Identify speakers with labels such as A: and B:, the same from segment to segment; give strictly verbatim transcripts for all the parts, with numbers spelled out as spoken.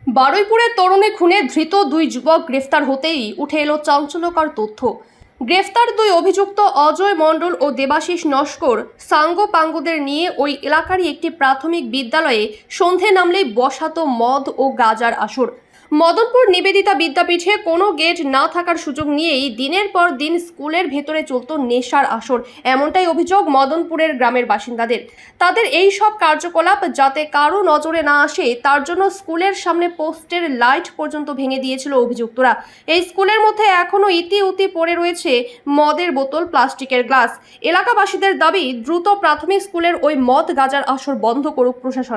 A: বারুইপুরে তরুণী খুনে ধৃত দুই যুবক গ্রেফতার হতেই উঠে এলো চাঞ্চল্যকর তথ্য। গ্রেফতার দুই অভিযুক্ত অজয় মণ্ডল ও দেবাশিস নস্কর সাঙ্গপাঙ্গদের নিয়ে ওই এলাকারই একটি প্রাথমিক বিদ্যালয়ে সন্ধে নামলেই বসাতো মদ ও গাঁজার আসর। মদনপুর নিবেদিতা বিদ্যাপীঠে কোনো গেট না থাকার সুযোগ নিয়েই দিনের পর দিন স্কুলের ভেতরে চলত নেশার আসর, এমনটাই অভিযোগ মদনপুরের গ্রামের বাসিন্দাদের। তাদের এই সব কার্যকলাপ যাতে কারো নজরে না আসে তার জন্য স্কুলের সামনে পোস্টের লাইট পর্যন্ত ভেঙে দিয়েছিল অভিযুক্তরা। এই স্কুলের মধ্যে এখনো ইতি উতি পড়ে রয়েছে মদের বোতল, প্লাস্টিকের গ্লাস। এলাকাবাসীদের দাবি দ্রুত প্রাথমিক স্কুলের ওই মদ গাঁজার আসর বন্ধ করুক প্রশাসন।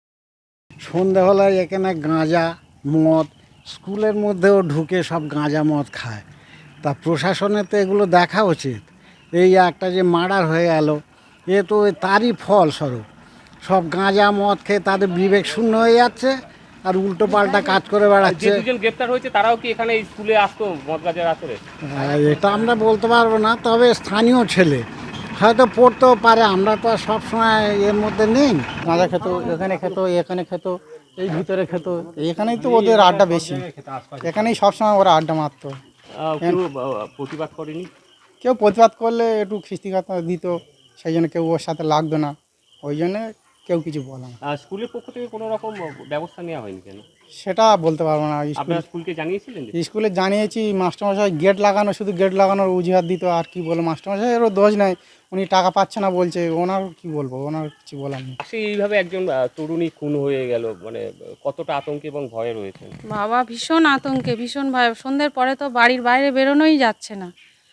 B: সন্ধ্যাবেলায় এখানে গাঁজা মদ স্কুলের মধ্যেও ঢুকে সব গাঁজা মদ খায়, তা প্রশাসনের তো এগুলো দেখা উচিত। এই একটা যে মার্ডার হয়ে গেল, এ তো তারই ফলস্বরূপ। সব গাঁজা মদ খেয়ে তাদের বিবেক শূন্য হয়ে যাচ্ছে আর উল্টো পাল্টা কাজ করে বেড়াচ্ছে।
C: যে দুজন গ্রেফতার হয়েছে তারাও কি এখানে স্কুলে আসতো মদ গাঁজার আসরে?
B: এটা আমরা বলতে পারবো না, তবে স্থানীয় ছেলে হয়তো পড়তেও পারে, আমরা তো আর সবসময় এর মধ্যে নেই।
D: গাঁজা খেত, এখানে খেত, এখানে খেত, এই ভিতরে খেত, এখানেই তো ওদের আড্ডা বেশি, এখানেই সবসময় ওরা আড্ডা মারতো।
C: আহ, কেউ আহ, প্রতিবাদ করেনি?
D: কেউ প্রতিবাদ করলে একটু খিস্তিঘাত দিত, সেই জন্য কেউ ওর সাথে লাগতো না, ওই জন্যে কেউ কিছু বলে না।
C: আহ, স্কুলের পক্ষ থেকে কোনো রকম ব্যবস্থা নেওয়া হয়নি কেন?
D: সেটা বলতে পারবো না। স্কুল
C: আপনারা স্কুলকে জানিয়েছিলেন?
D: স্কুলে জানিয়েছি, মাস্টারমশাই গেট লাগানো, শুধু গেট লাগানোর অজুহাত দিত। আর কি বলবো, মাস্টারমশাইয়েরও দোষ নাই, উনি টাকা পাচ্ছে না বলছে, ওনার কি বলবো, ওনার কিছু বলার নেই।
C: আসলে এইভাবে একজন আহ, তরুণী খুন হয়ে গেল, মানে আহ, কতটা আতঙ্কে এবং ভয়ে রয়েছেন?
E: বাবা ভীষণ আতঙ্কে, ভীষণ ভয়। সন্ধ্যের পরে তো বাড়ির বাইরে বেরোনোই যাচ্ছে না,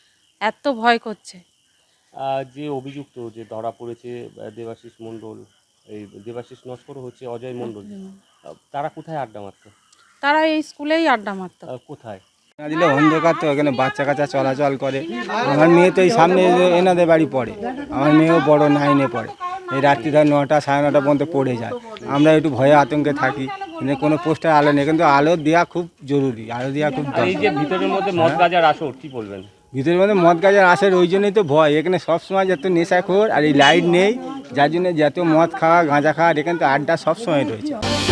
E: এত ভয় করছে।
C: আহ, যে অভিযুক্ত যে ধরা পড়েছে আহ, দেবাশিস মণ্ডল, এই দেবাশিস নস্কর হচ্ছে অজয় মণ্ডল, আহ, তারা কোথায় আড্ডা মারতো?
E: তারা এই স্কুলেই আড্ডা মারতো।
C: আহ, কোথায়?
F: না দিলে অন্ধকার তো, এখানে বাচ্চা কাচ্চা চলাচল করে। আমার মেয়ে তো এই সামনে এনাদের বাড়ি পড়ে, আমার মেয়েও বড় নাইনে পড়ে। এই রাত্রি ধর নটা সাড়ে নটা পর্যন্ত পড়ে যায়। আমরা একটু ভয়ে আতঙ্কে থাকি, কিন্তু কোনো পোস্টার আলো নেই, কিন্তু আলো দেওয়া খুব জরুরি, আলো দেওয়া খুব
C: আর এই যে
F: দরকার।
C: ভিতরের মধ্যে মদ গাঁজার আসর, কি বলবেন?
F: ভিতরের মধ্যে মদ গাজার আসে, ওই জন্যই তো ভয়। এখানে সবসময় যত নেশাখোর, আর এই লাইট নেই, যার জন্য যত মদ খাওয়া গাঁজা খাওয়া, এখানে তো আড্ডা সবসময় রয়েছে।